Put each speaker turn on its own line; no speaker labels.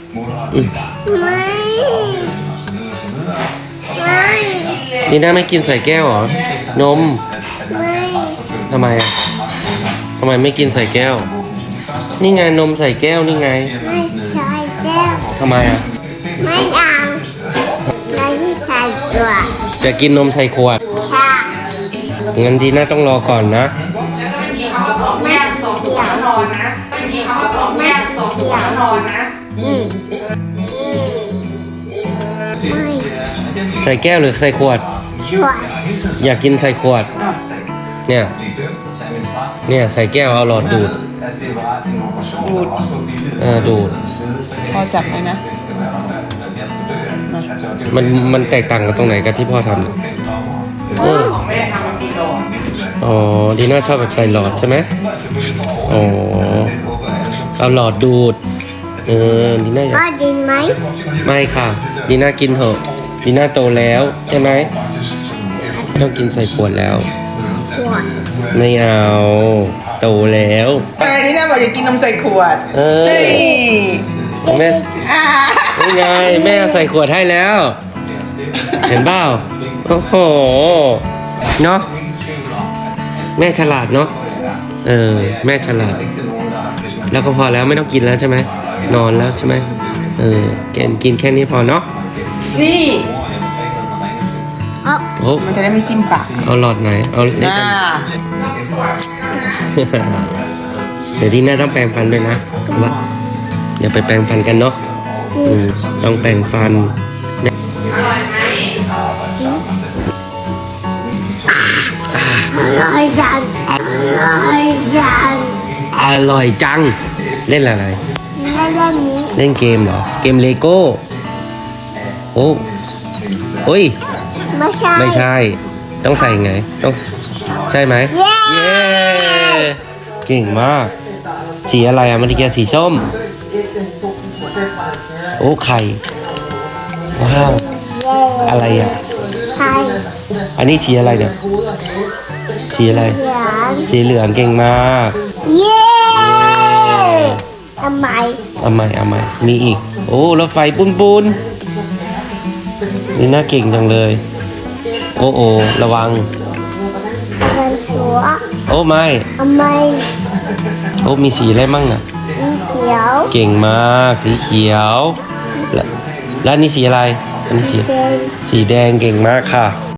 ไม่ไม่
ดีน่าไม่กินใส่แก้วเหรอ นม
ไม่
ทำไมอ่ะทำไมไม่กินใส่แก้ว นี่ไงนมใส่แก้วนี่ไง
ไม่ใช่แก้ว
ทำไมอ่ะ
ไม่เอาเราที่ใส่ตัว
จะกินนมใส่ขวด
ค่ะ
งั้นดีน่าต้องรอก่อนนะ
ไม่เดี๋ยวรอนะไม่เดี๋ยวรอนะไม่
ใส่แก้วหรือใส่ขวด
ช่วย
อยากกินใส่ขวด เนี่ยใส่แก้วเอาหลอดดูด
ดูด
ดูด
พอจับไหมนะ
มันแตกต่างกันตรงไหนกับที่พ่อทำเนี่ย
ของแม่ทำมาปีก่อน
อ๋อดีน่าชอบแบบใส่หลอดใช่ไหมอ๋อเอาหลอดดูดดีน่าอยาก
ก็ดินไหม
ไม่ค่ะดีน่ากินเถอะดีน่าโตแล้วใช่ไหมต้องกินใส่ขวดแล้ว
ขวด
ไม่เอาโตแล้ว
ใช่นี่น่าบอกอยากกินนมใส่ขวด
เออ
ฮ้ย
แม่
อ่า
นี่ไงแม่ใส่ขวดให้แล้ว เห็นเปล่าโอ้โหเนาะแม่ฉลาดเนาะแม่ฉลาด แล้วก็พอแล้วไม่ต้องกินแล้วใช่ไหมนอนแล้วใช่ไหมกินแค่นี้พอเนาะ
นี่
โอ้
มันจะได้ไม่จิ้มปาก
เอาหลอดไหนเอาเล็ก
อ่า
กัน เดี๋ยวที่หน้าต้องแปรงฟันด้วยนะว่าอย่าไปแปรงฟันกันเนาะต้องแปรงฟัน
อร่อยจังอร่อยจัง
อร่อยจังเล่นอะไร
แล้วเรื่องนี้
เล่นเกมเหรอเกมเลโก้โอ้ย
ไม่ใช่
ไม่ใช่ ต้องใส่ไงต้องใช่ไหม
เย้
เย้เก่งมากสีอะไรอ่ะเมื่อกี้สีส้มโอ้ไข่ว้าวอะไรอ่ะ
ใช่
อันนี้สีอะไรเนี่ยสีอะไร
เหลือง
สีเหลืองเก่งมาก
เย้ทำไม
เอาใหม่มีอีกโอ้รถไฟปุ้นนี่น่าเก่งจังเลยโอ้ระวัง
มันชัว
โอ้ไม่
ทำไม
โอ้มีสีอะไรมั่งอ่ะ
สีเขียว
เก่งมากสีเขียวแล้วนี่สีอะไรอันนี้สี
แดง
สีแดงเก่งมากค่ะ